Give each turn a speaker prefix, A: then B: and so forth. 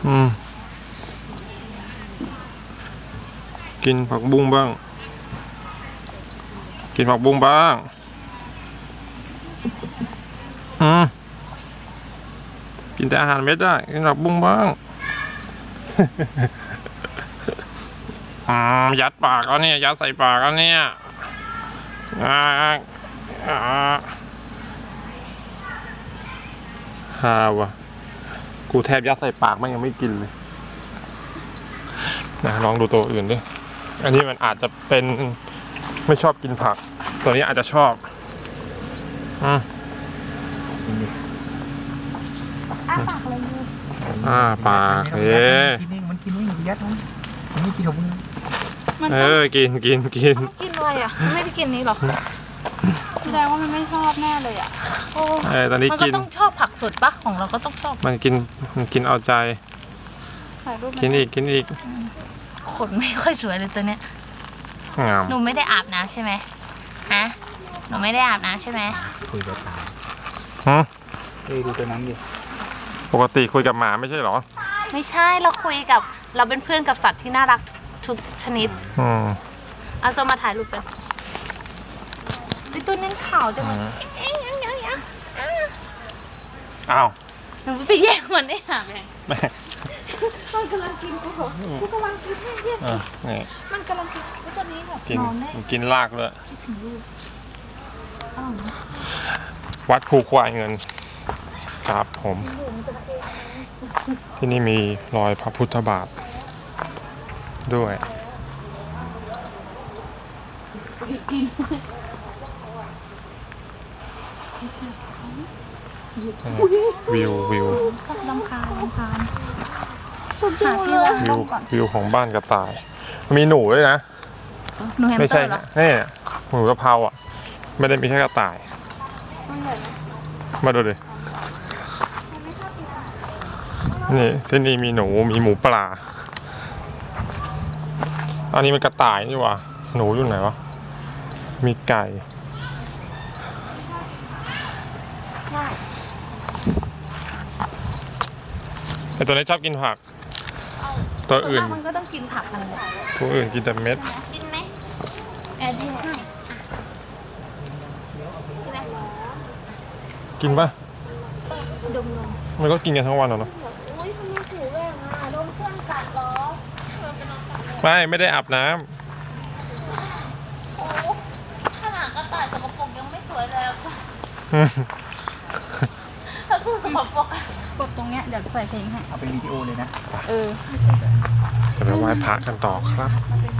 A: กินผักบุ้งบ้างกินผักบุ้งบ้างกินแต่อาหารเม็ดได้กินผักบุ้งบ้างยัดปากแล้วเนี่ยยัดใส่ปากแล้วเนี่ยฮาวะกูแทบยัดใส่ปากมันยังไม่กินเลยนะลองดูตัวอื่นดิอันนี้มันอาจจะเป็นไม่ชอบกินผักตัวนี้อาจจะชอบ
B: ปากเลย
A: ปาก
C: มันกินนี่ยัดมันไม่กินของมึง
A: กิน
B: กินอะไรอ่ะไม่ได้กินนี้หรอแสดงว่ามันไม่ชอบแน่เลยอ่ะ
A: ตอนนี้
B: มันก็ต้องชอบผักสดปะของเราก็ต้องชอบ
A: มันกินเอาใจกินอีก
B: ขนไม่ค่อยสวยเลยตัวเนี้ยหนูไม่ได้อาบน้ำใช่ไหมฮะหนูไม่ได้อาบน้ำใช่ไหม
C: คุยกับตาดูตัวนั้นดิ
A: ปกติคุยกับหมาไม่ใช่หรอ
B: ไม่ใช่เราคุยกับเราเป็นเพื่อนกับสัตว์ที่น่ารักทุกชนิดเอาโซมาถ่ายรูปกันดิตัวนี้ขาวจัง
A: อ้าว
B: หนูไปแย่งมันได้หาแม่มันกำลังกินกูกำลังกิน
A: นี่
B: มันกำลังกินตัวนี้แบบนอนได้
A: กินรากเลยวัดภูควายเงินครับผมที่นี่มีรอยพระพุทธบาทด้วยวิว
B: ลำคาญ
A: วิวของบ้านกระต่ายมีหนูด้วยนะไม่ใช่นี่หนูกระเพราอ่ะไม่ได้มีแค่กระต่ายมาดูดินี่ที่นี่มีหนูมีหมูปลาอันนี้มันกระต่ายนี่หว่าหนูอยู่ไหนวะมีไก่แต่ตัวนี้ชอบกินผักตัวอื่น
B: มันก็ต้องกินผักกันเลย
A: ตัวอื่นกินแต่เม็ด
B: กินไหมแอดดี้ให้
A: กินป่ะ
B: ดม
A: มันก็กินกันทั้งวันเหรอไม่ได้อาบน้
B: ำขนาดกระต่ายสกปรกยังไม่สวยเลยถ้าคือสกปรกกดตรงเนี้ยเดี๋ยวใส่เพลงให้
C: เอาเป็นวิดีโอเลยนะ
A: จะไปไหว้พระกันต่อครับ